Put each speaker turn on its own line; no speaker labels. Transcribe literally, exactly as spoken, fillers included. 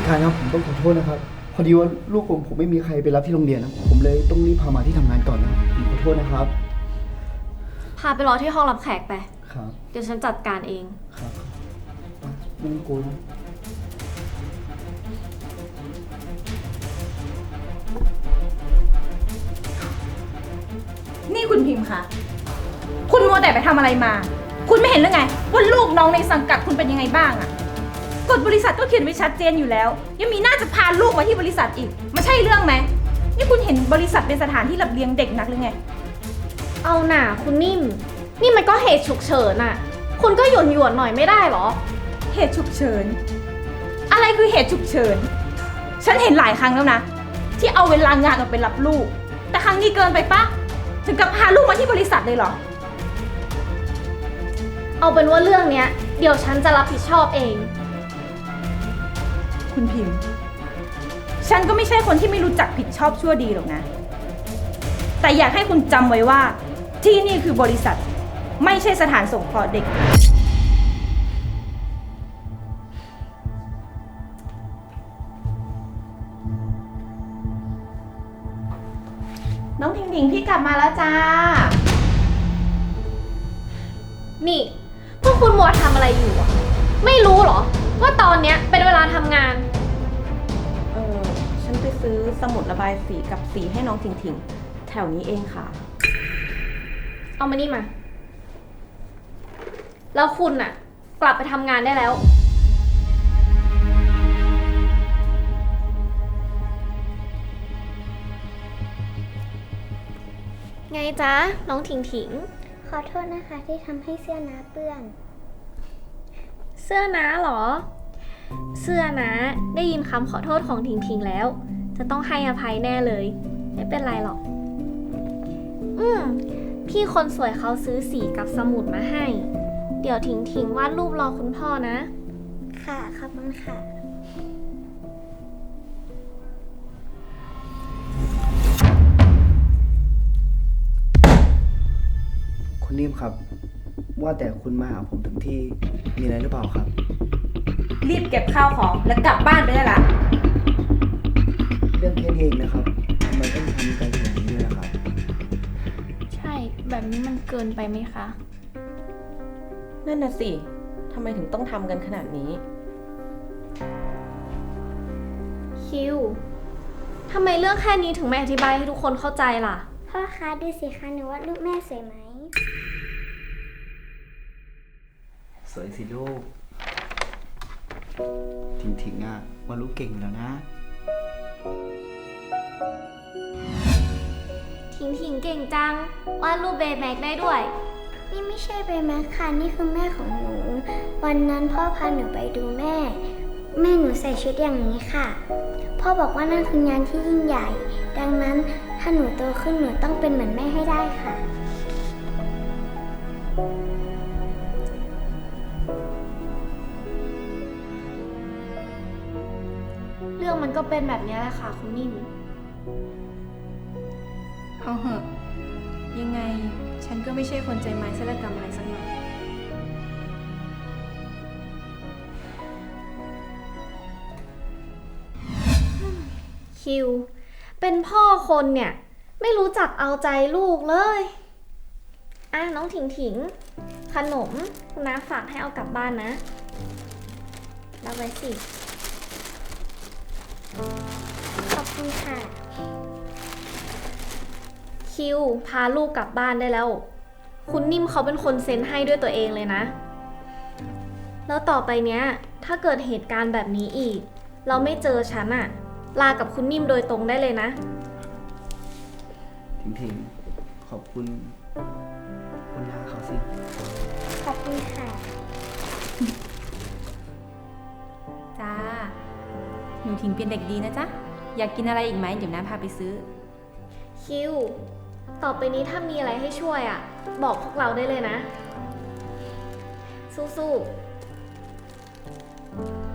ดการครับผมต้องขอโทษนะครับพอดีว่าลูกผมผมไม่มีใครไปรับที่โรงเรียนนะผมเลยต้องรีบพามาที่ทำงานก่อนนะผมขอโทษนะครับ
พาไปรอที่ห้องรับแขกไป
ครับ
เดี๋ยวฉันจัดการเอง
ครับไม่ต้องกลัวนะ
นี่คุณพิมพ์คะคุณมัวแต่ไปทำอะไรมาคุณไม่เห็นหรือไงว่าลูกน้องในสังกัดคุณเป็นยังไงบ้างอะกฎบริษัทก็เขียนไว้ชัดเจนอยู่แล้วยังมีน่าจะพาลูกมาที่บริษัทอีกไม่ใช่เรื่องไหมนี่คุณเห็นบริษัทเป็นสถานที่รับเลี้ยงเด็กนักหรือไง
เอาหน่าคุณนิ่มนี่มันก็เหตุฉุกเฉินอะคุณก็หยวนหยวนหน่อยไม่ได้หรอ
เหตุฉุกเฉินอะไรคือเหตุฉุกเฉินฉันเห็นหลายครั้งแล้วนะที่เอาเวลางานออกไปรับลูกแต่ครั้งนี้เกินไปปะถึงกับพาลูกมาที่บริษัทเลยเหรอ
เอาเป็นว่าเรื่องเนี้ยเดี๋ยวฉันจะรับผิดชอบเอง
คุณพิมพ์ฉันก็ไม่ใช่คนที่ไม่รู้จักผิดชอบชั่วดีหรอกนะแต่อยากให้คุณจำไว้ว่าที่นี่คือบริษัทไม่ใช่สถานสงเคราะห์เด็กน้องทิงทิงพี่กลับมาแล้วจ้า
นี่พวกคุณมัวทำอะไรอยู่อะไม่รู้เหรอว่าตอนเนี้ยเป็นเวลาทำงาน
เออฉันไปซื้อสมุดระบายสีกับสีให้น้องทิงทิงแถวนี้เองค่ะ
เอามานี่มาแล้วคุณน่ะกลับไปทำงานได้แล้วไงจ๊ะน้องถิงถิง
ขอโทษนะคะที่ทำให้เสื้อน้าเปื้อน
เสื้อน้าเหรอเสื้อน้าได้ยินคำขอโทษของถิงถิงแล้วจะต้องให้อภัยแน่เลยไม่เป็นไรหรอกอืมพี่คนสวยเขาซื้อสีกับสมุดมาให้เดี๋ยวถิงถิงวาดรูปรอคุณพ่อนะ
ค่ะขอบคุณค่ะ
คุณนิ่มครับว่าแต่คุณมาหาผมถึงที่มีอะไรหรือเปล่าครับ
รีบเก็บข้าวของแล้วกลับบ้านไปได้ละ
เรื่องแค่นี้เองนะครับทำไมต้องทำกันอย่างนี้ด้วยนะครับ
ใช่แบบนี้มันเกินไปไหมคะ
นั่นน่ะสิทำไมถึงต้องทำกันขนาดนี้
คิวทำไมเรื่องแค่นี้ถึงไม่อธิบายให้ทุกคนเข้าใจล่ะ
พ่อคะดูสิคะหนูว่าลูกแม่สวยไหม
สวยสิลูกถิงถิงอ่ะว่าลูกเก่งแล้วนะ
ถิงถิงเก่งจังวาดรูปเบย์แม็กได้ด้วย
นี่ไม่ใช่เบย์แม็กค่ะนี่คือแม่ของหนูวันนั้นพ่อพาหนูไปดูแม่แม่หนูใส่ชุดอย่างนี้ค่ะพ่อบอกว่านั่นคืองานที่ยิ่งใหญ่ดังนั้นถ้าหนูโตขึ้นหนูต้องเป็นเหมือนแม่ให้ได้ค่ะ
เรื่องมันก็เป็นแบบนี้แหละค่ะคุณนิ่ม
เอาเหอะยังไงฉันก็ไม่ใช่คนใจไม้ศัลยกรรมอะไรสักหน่อย
คิวเป็นพ่อคนเนี่ยไม่รู้จักเอาใจลูกเลยอ่ะน้องถิงถิงขนมคุณน้าฝากให้เอากลับบ้านนะรับไว้สิ
ขอบคุณค่ะ
คิวพาลูกกลับบ้านได้แล้วคุณนิ่มเขาเป็นคนเซ็นให้ด้วยตัวเองเลยนะแล้วต่อไปเนี้ยถ้าเกิดเหตุการณ์แบบนี้อีกเราไม่เจอฉันอะลากับคุณนิ่มโดยตรงได้เลยนะ
ถิงถิงขอบคุณคุณน้าเขาสิ
ขอบคุณค่ะ
จ้าหนูถิงเป็นเด็กดีนะจ๊ะอยากกินอะไรอีกไหมเดี๋ยวน้าพาไปซื้อ
คิวต่อไปนี้ถ้ามีอะไรให้ช่วยอ่ะบอกพวกเราได้เลยนะสู้ๆ